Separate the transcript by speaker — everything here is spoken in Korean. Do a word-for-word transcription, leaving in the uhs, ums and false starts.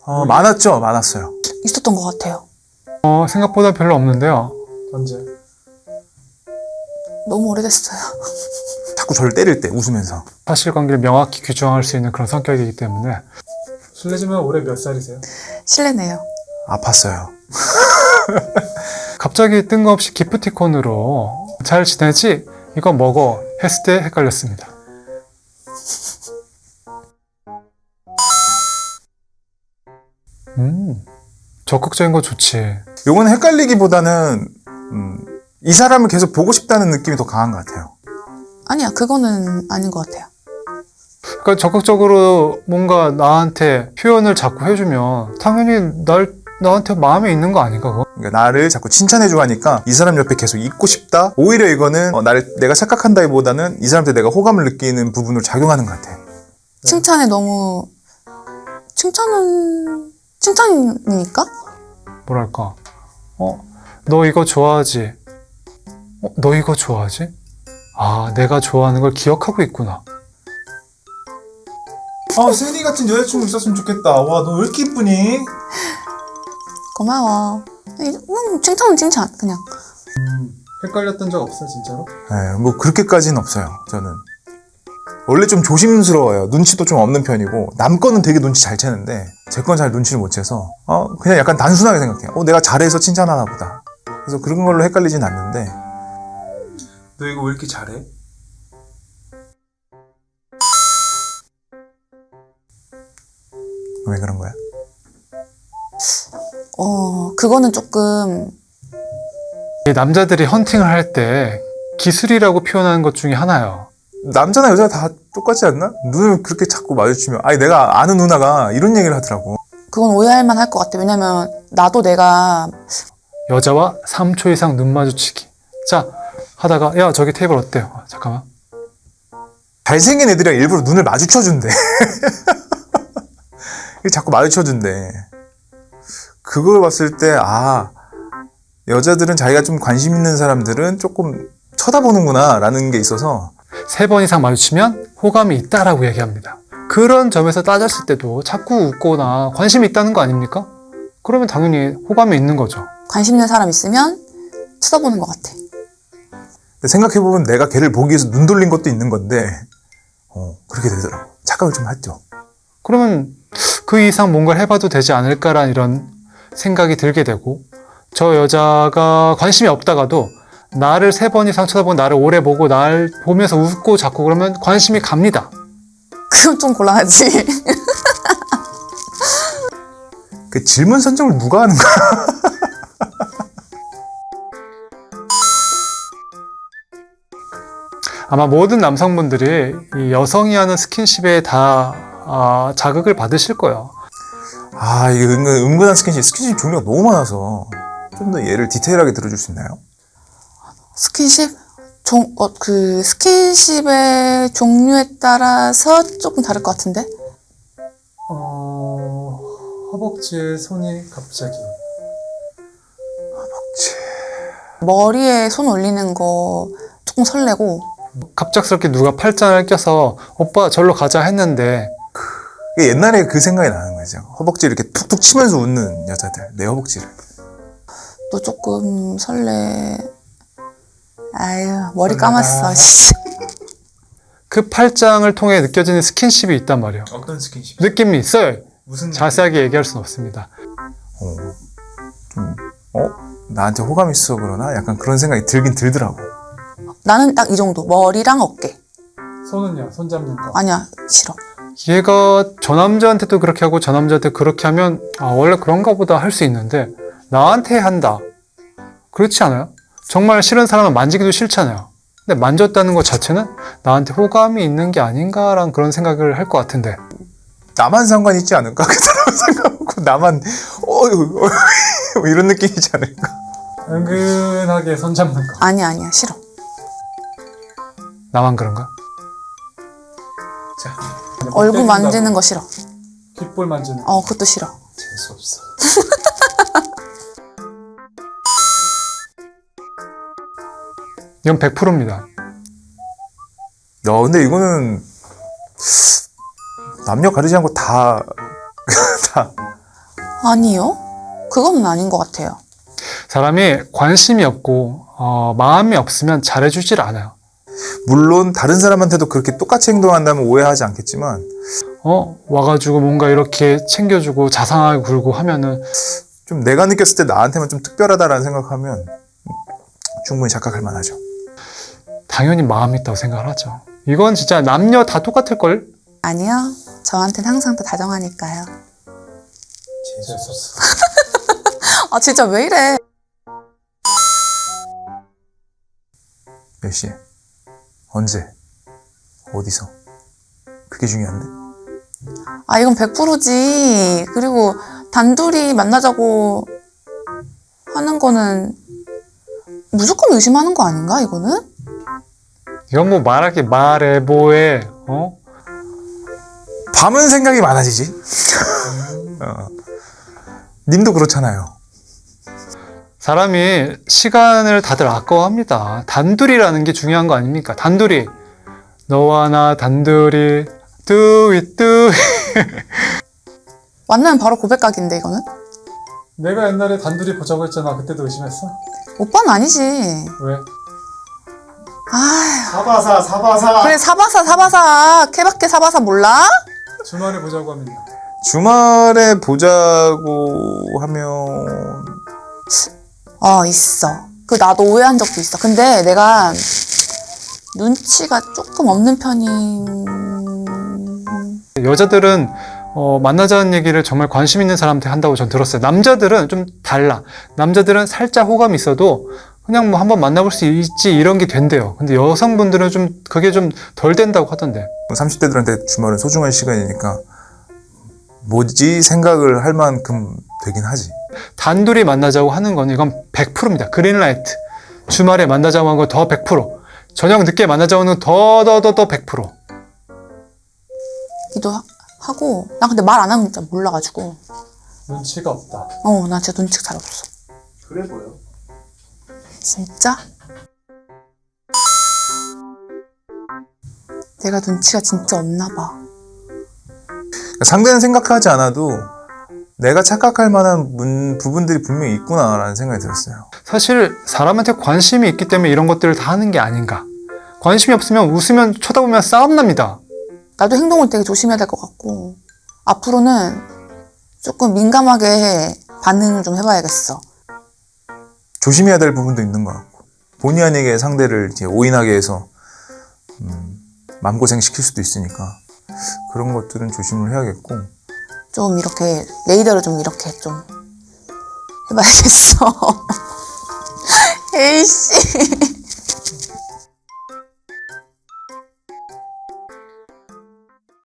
Speaker 1: 어, 많았죠? 많았어요.
Speaker 2: 있었던 것 같아요.
Speaker 3: 어, 생각보다 별로 없는데요.
Speaker 1: 언제?
Speaker 2: 너무 오래됐어요.
Speaker 1: 자꾸 저를 때릴 때 웃으면서.
Speaker 3: 사실관계를 명확히 규정할 수 있는 그런 성격이기 때문에.
Speaker 4: 실례지만 올해 몇 살이세요?
Speaker 2: 실례네요.
Speaker 1: 아팠어요.
Speaker 3: 갑자기 뜬금없이 기프티콘으로 잘 지내지? 이거 먹어 했을 때 헷갈렸습니다. 음, 적극적인 거 좋지.
Speaker 1: 요건 헷갈리기보다는 음, 이 사람을 계속 보고 싶다는 느낌이 더 강한 것 같아요.
Speaker 2: 아니야, 그거는 아닌 것 같아요.
Speaker 3: 그러니까 적극적으로 뭔가 나한테 표현을 자꾸 해주면 당연히 날, 나한테 마음에 있는 거 아닌가 그거?
Speaker 1: 그러니까 나를 자꾸 칭찬해주고 하니까 이 사람 옆에 계속 있고 싶다? 오히려 이거는 어, 나를 내가 착각한다기보다는 이 사람한테 내가 호감을 느끼는 부분으로 작용하는 것 같아요.
Speaker 2: 칭찬에 너무 칭찬은 칭찬이니까?
Speaker 3: 뭐랄까, 어, 너 이거 좋아하지? 어, 너 이거 좋아하지? 아, 내가 좋아하는 걸 기억하고 있구나.
Speaker 1: 아, 세니 같은 여자친구 있었으면 좋겠다. 와, 너 왜 이렇게 이쁘니?
Speaker 2: 고마워. 음, 칭찬은 칭찬 그냥.
Speaker 4: 헷갈렸던 적 없어요, 진짜로?
Speaker 1: 네, 뭐 그렇게까지는 없어요. 저는 원래 좀 조심스러워요. 눈치도 좀 없는 편이고 남 거는 되게 눈치 잘 채는데 제 건 잘 눈치를 못 채서 어 그냥 약간 단순하게 생각해요. 어 내가 잘해서 칭찬하나 보다. 그래서 그런 걸로 헷갈리진 않는데.
Speaker 4: 너 이거 왜 이렇게 잘해?
Speaker 1: 왜 그런 거야?
Speaker 2: 어, 그거는 조금
Speaker 3: 이 남자들이 헌팅을 할 때 기술이라고 표현하는 것 중에 하나예요.
Speaker 1: 남자나 여자나 다 똑같지 않나? 눈을 그렇게 자꾸 마주치면 아니 내가 아는 누나가 이런 얘기를 하더라고.
Speaker 2: 그건 오해할 만할 것 같아. 왜냐면 나도 내가
Speaker 3: 여자와 삼 초 이상 눈 마주치기. 자, 하다가 야, 저기 테이블 어때요? 아, 잠깐만.
Speaker 1: 잘생긴 애들이랑 일부러 눈을 마주쳐준대. 자꾸 마주쳐준대. 그걸 봤을 때 아 여자들은 자기가 좀 관심 있는 사람들은 조금 쳐다보는구나 라는 게 있어서.
Speaker 3: 세 번 이상 마주치면 호감이 있다라고 얘기합니다. 그런 점에서 따졌을 때도 자꾸 웃거나 관심이 있다는 거 아닙니까? 그러면 당연히 호감이 있는 거죠.
Speaker 2: 관심 있는 사람 있으면 쳐다보는 것 같아.
Speaker 1: 근데 생각해보면 내가 걔를 보기 위해서 눈 돌린 것도 있는 건데 어 그렇게 되더라고. 착각을 좀 했죠.
Speaker 3: 그러면 그 이상 뭔가를 해봐도 되지 않을까라는 이런 생각이 들게 되고, 저 여자가 관심이 없다가도 나를 세 번 이상 쳐다보고 나를 오래 보고 날 보면서 웃고 자꾸 그러면 관심이 갑니다.
Speaker 2: 그건 좀 곤란하지.
Speaker 1: 그 질문 선정을 누가 하는 거야?
Speaker 3: 아마 모든 남성분들이 이 여성이 하는 스킨십에 다 아, 자극을 받으실 거예요.
Speaker 1: 아 이게 은근, 은근한 스킨십 스킨십 종류가 너무 많아서 좀 더 예를 디테일하게 들어줄 수 있나요?
Speaker 2: 스킨십? 종, 어, 그 스킨십의 종류에 따라서 조금 다를 것 같은데?
Speaker 4: 어... 허벅지에 손이 갑자기.
Speaker 2: 머리에 손 올리는 거 조금 설레고.
Speaker 3: 갑작스럽게 누가 팔짱을 껴서 오빠 절로 가자 했는데
Speaker 1: 이게 옛날에 그 생각이 나는 거죠. 허벅지 이렇게 툭툭 치면서 웃는 여자들. 내 허벅지를.
Speaker 2: 또 조금 설레. 아유, 머리 감았어. 씨.
Speaker 3: 그 팔짱을 통해 느껴지는 스킨십이 있단 말이에요.
Speaker 4: 어떤 스킨십?
Speaker 3: 느낌이 있어요.
Speaker 4: 무슨
Speaker 3: 자세하게 얘기할 수는 없습니다.
Speaker 1: 어, 좀, 어? 나한테 호감 있어 그러나? 약간 그런 생각이 들긴 들더라고.
Speaker 2: 나는 딱 이 정도. 머리랑 어깨.
Speaker 4: 손은요? 손 잡는 거.
Speaker 2: 아니야, 싫어.
Speaker 3: 얘가 저 남자한테도 그렇게 하고 저 남자한테 그렇게 하면 아, 원래 그런가 보다 할 수 있는데 나한테 한다. 그렇지 않아요? 정말 싫은 사람은 만지기도 싫잖아요. 근데 만졌다는 것 자체는 나한테 호감이 있는 게 아닌가라는 그런 생각을 할 것 같은데,
Speaker 1: 나만 상관 있지 않을까? 그 사람 생각하고 나만 어휴 어휴 이런 느낌이지 않을까?
Speaker 4: 은근하게 손 잡는 거.
Speaker 2: 아니야, 아니야, 싫어.
Speaker 3: 나만 그런가?
Speaker 4: 자,
Speaker 2: 얼굴 만지는 거 싫어.
Speaker 4: 귓볼 만지는 거.
Speaker 2: 어, 그것도 싫어.
Speaker 4: 재수없어.
Speaker 3: 이건 백 퍼센트입니다.
Speaker 1: 야, 근데 이거는 남녀 가리지 않고 다, 다
Speaker 2: 아니요. 그거는 아닌 것 같아요.
Speaker 3: 사람이 관심이 없고 어, 마음이 없으면 잘해주질 않아요.
Speaker 1: 물론 다른 사람한테도 그렇게 똑같이 행동한다면 오해하지 않겠지만
Speaker 3: 어 와가지고 뭔가 이렇게 챙겨주고 자상하게 굴고 하면은
Speaker 1: 좀 내가 느꼈을 때 나한테만 좀 특별하다라는 생각하면 충분히 착각할 만하죠.
Speaker 3: 당연히 마음이 있다고 생각을 하죠. 이건 진짜 남녀 다 똑같을걸?
Speaker 2: 아니요. 저한테는 항상 더 다정하니까요.
Speaker 4: 재수없어.
Speaker 2: 아 진짜 왜 이래?
Speaker 1: 몇 시에? 언제? 어디서? 그게 중요한데?
Speaker 2: 아 이건 백 퍼센트지. 그리고 단둘이 만나자고 하는 거는 무조건 의심하는 거 아닌가 이거는?
Speaker 3: 이건 뭐 말하기 말해 뭐해 어?
Speaker 1: 밤은 생각이 많아지지. 어. 님도 그렇잖아요.
Speaker 3: 사람이 시간을 다들 아까워합니다. 단둘이라는 게 중요한 거 아닙니까? 단둘이 너와 나 단둘이 do it do it
Speaker 2: 만나면 바로 고백각인데 이거는?
Speaker 4: 내가 옛날에 단둘이 보자고 했잖아. 그때도 의심했어?
Speaker 2: 오빠는 아니지.
Speaker 4: 왜?
Speaker 2: 아
Speaker 4: 사바사 사바사.
Speaker 2: 그래 사바사 사바사 케바케 사바사 몰라?
Speaker 4: 주말에 보자고 하면
Speaker 1: 주말에 보자고 하면
Speaker 2: 어 있어. 그 나도 오해한 적도 있어. 근데 내가 눈치가 조금 없는 편인.
Speaker 3: 여자들은 어, 만나자는 얘기를 정말 관심 있는 사람한테 한다고 전 들었어요. 남자들은 좀 달라. 남자들은 살짝 호감이 있어도 그냥 뭐 한번 만나볼 수 있지 이런 게 된대요. 근데 여성분들은 좀 그게 좀 덜 된다고 하던데.
Speaker 1: 삼십 대들한테 주말은 소중한 시간이니까 뭐지 생각을 할 만큼 되긴 하지.
Speaker 3: 단둘이 만나자고 하는 건 이건 백 퍼센트입니다. 그린라이트. 주말에 만나자고 하는 건 더 백 퍼센트. 저녁 늦게 만나자고 하는 건 더 더 더 더 백 퍼센트.
Speaker 2: 기도 하- 하고 나 근데 말 안 하면 진짜 몰라가지고
Speaker 4: 눈치가 없다.
Speaker 2: 어 나 진짜 눈치가 잘 없어.
Speaker 4: 그래 보여.
Speaker 2: 진짜? 내가 눈치가 진짜 없나 봐.
Speaker 1: 상대는 생각하지 않아도 내가 착각할 만한 문- 부분들이 분명히 있구나라는 생각이 들었어요.
Speaker 3: 사실 사람한테 관심이 있기 때문에 이런 것들을 다 하는 게 아닌가. 관심이 없으면 웃으면 쳐다보면 싸움 납니다.
Speaker 2: 나도 행동을 되게 조심해야 될 것 같고 앞으로는 조금 민감하게 반응을 좀 해봐야겠어.
Speaker 1: 조심해야 될 부분도 있는 것 같고 본의 아니게 상대를 이제 오인하게 해서 음, 마음고생 시킬 수도 있으니까 그런 것들은 조심을 해야겠고
Speaker 2: 좀 이렇게 레이더를 좀 이렇게 좀 해봐야겠어. 에이씨.